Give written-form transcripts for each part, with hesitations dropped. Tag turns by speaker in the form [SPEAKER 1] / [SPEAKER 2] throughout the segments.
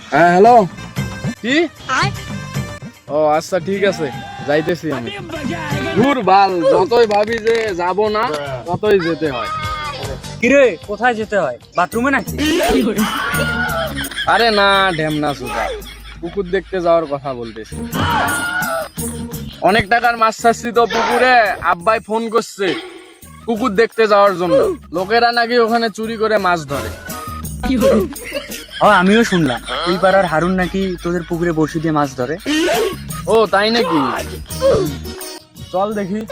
[SPEAKER 1] হ্যাঁ হ্যালো, কি? ও আচ্ছা ঠিক আছে, যাইতেছি আমি। দূর বাল, যতই ভাবি যে যাব না ততই যেতে হয়।
[SPEAKER 2] কিরে কোথায় যেতে হয়, বাথরুমে নাকি?
[SPEAKER 1] আরে না ঢেমনা সুদা, পুকুর দেখতে যাওয়ার কথা বলতেছি। অনেক টাকার মাছ ছাড়ছি তো পুকুরে, আব্বাই ফোন করছে পুকুর দেখতে যাওয়ার জন্য। লোকেরা নাকি ওখানে চুরি করে মাছ ধরে।
[SPEAKER 2] ও আমিও শুনলাম ওই পাড়ার হারুন নাকি তোদের পুকুরে বড়শি দিয়ে মাছ ধরে।
[SPEAKER 1] ও তাই নাকি? চল দেখি।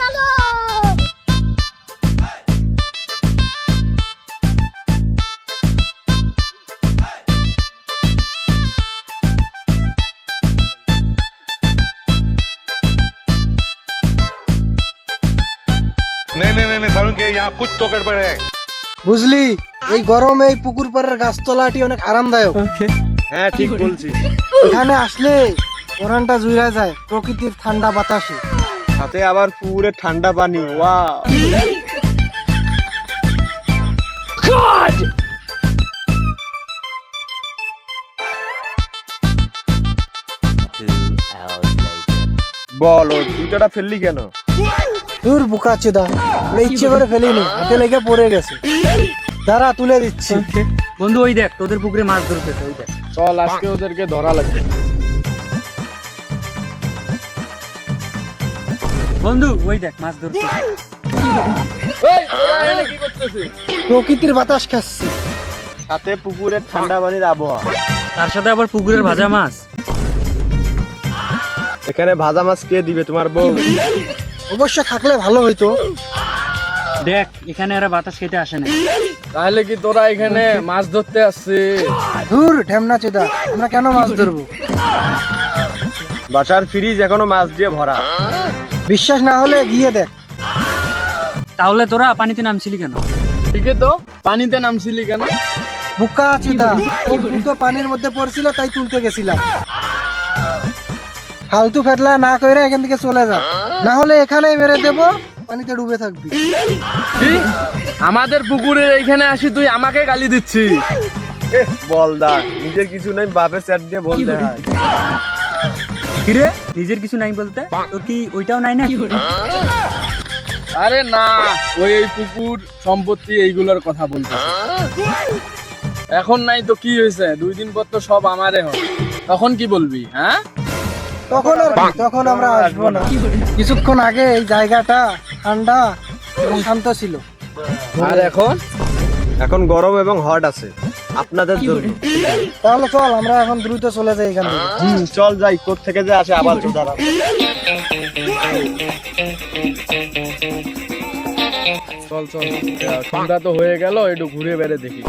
[SPEAKER 3] नहीं नहीं नहीं सारुण के यहाँ कुछ तो गड़बड़ है।
[SPEAKER 4] বুঝলি, এই গরমে এই পুকুর পাড়ের গাছতলাটি অনেক আরামদায়ক।
[SPEAKER 1] হ্যাঁ ঠিক বলছি।
[SPEAKER 4] এখানে আসলে ওরানটা জুড়ে যায় প্রকৃতির ঠান্ডা বাতাসে।
[SPEAKER 1] সাথে আবার পুকুরে ঠান্ডা পানি। ওয়াও! বল, ও জুতাটা ফেললি কেন?
[SPEAKER 4] দূর বুকা চেদা, ইচ্ছে করে ফেলিনি, হাতে লেগে পড়ে গেছে। দাঁড়া তুলে দিচ্ছি।
[SPEAKER 2] বন্ধু ওই দেখ তোদের পুকুরে মাছ ধরতেছে, ওই দেখ।
[SPEAKER 1] চল আজকে ওদেরকে ধরা লাগবে।
[SPEAKER 2] বন্ধু ওই দেখ মাছ ধরতেছে।
[SPEAKER 1] এই, ওরা এখানে কি করতেছে?
[SPEAKER 4] প্রকৃতির বাতাস খাচ্ছে।
[SPEAKER 1] সাথে পুকুরের ঠান্ডা পানির আবহাওয়া।
[SPEAKER 2] তার সাথে আবার পুকুরের ভাজা মাছ।
[SPEAKER 1] এখানে ভাজা মাছ কে দিবে, তোমার বউ?
[SPEAKER 4] অবশ্য থাকলে ভালো হইতো।
[SPEAKER 2] দেখ এখানে এরা বাতাস খেতে আসে না।
[SPEAKER 1] তাহলে কি তোরা এখানে মাছ ধরতে আসছিস?
[SPEAKER 4] দূর ঢেমনা চেদা, আমরা কেন মাছ ধরবো?
[SPEAKER 1] বাসার ফ্রিজ এখনো মাছ দিয়ে ভরা।
[SPEAKER 4] বিশ্বাস না হলে গিয়ে দেখ।
[SPEAKER 2] তাহলে তোরা পানিতে নামছিলি কেন?
[SPEAKER 1] ঠিকই তো, পানিতে নামছিলি কেন?
[SPEAKER 4] বুকা চেদা, ও দুটো পানির মধ্যে পড়ছিল তাই তুলতে গেছিলাম। ফালতু ফেটলা না কইরা এখান থেকে চলে যা, না হলে এখানেই মেরে দেবো, পানিতে ডুবে থাকবি।
[SPEAKER 1] কি? আমাদের পুকুরের এইখানে আসি তুই আমাকে গালি দিচ্ছিস? বলদা, নিজের কিছু নাই বাপের চ্যাট দিয়ে বলতে হয়।
[SPEAKER 2] কিরে নিজের কিছু নাই বলতে, তোর কি ওইটাও নাই না?
[SPEAKER 1] আরে না, ওই এই পুকুর সম্পত্তি এইগুলোর কথা বলতেছে। এখন নাই তো কি হয়েছে, 2 দিন পর তো সব আমারে হবে। তখন কি বলবি? হ্যাঁ,
[SPEAKER 4] তখন আর কি, তখন আমরা আসবো না। কিছুক্ষণ আগে এই জায়গাটা ঠান্ডা এবং শান্ত ছিল।
[SPEAKER 1] আর এখন গরম এবং হট আছে আপনাদের জন্য।
[SPEAKER 4] তাহলে চল আমরা এখন দ্রুত চলে যাই এখান থেকে।
[SPEAKER 1] চল যাই, কোথা থেকে যে আসে আবার চোদারা। চল চল, সন্ধ্যা তো হয়ে গেল, একটু ঘুরে বেড়ে দেখি।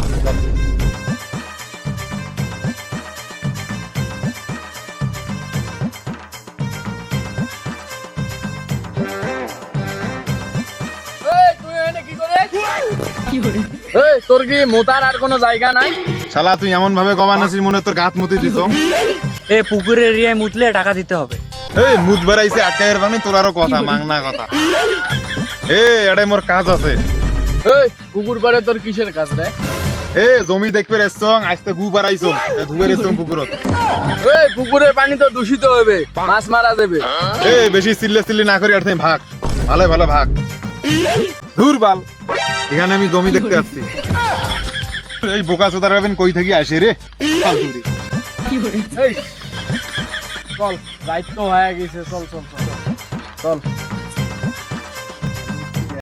[SPEAKER 1] তোর কি মোতার আর কোনো জায়গা নাই?
[SPEAKER 3] শালা তুই এমন ভাবে কমানাছিস মনে হয় তোর গাত মুতি দিত।
[SPEAKER 2] এ পুকুরের এরিয়ায় মুতলে টাকা দিতে হবে।
[SPEAKER 3] এই মুত বেড়াইছে আটকাইয়ের বানি তোর আরো কথা মাংনা কথা। এটাই মোর কাজ আছে।
[SPEAKER 1] এই পুকুর পাড়ে তোর কিসের কাজ রে?
[SPEAKER 3] জমি দেখবে রেসং আজকে গু বাড়াইছো ধুবে রেসং পুকুরত।
[SPEAKER 1] এই পুকুরের পানি তো দূষিত হবে, মাছ মারা যাবে।
[SPEAKER 3] বেশি চিল্লি না করি আর তুমি ভাগ, ভালো ভালো ভাগ। ধুর বাল, এখানে আমি জমি দেখতে আসছি। এই বোকা চোদার ভাবেন কই থেকে আসে রে ফালতুরি।
[SPEAKER 1] এই চল, দায়িত্ব হয়ে গেছে, চল চল চল চল।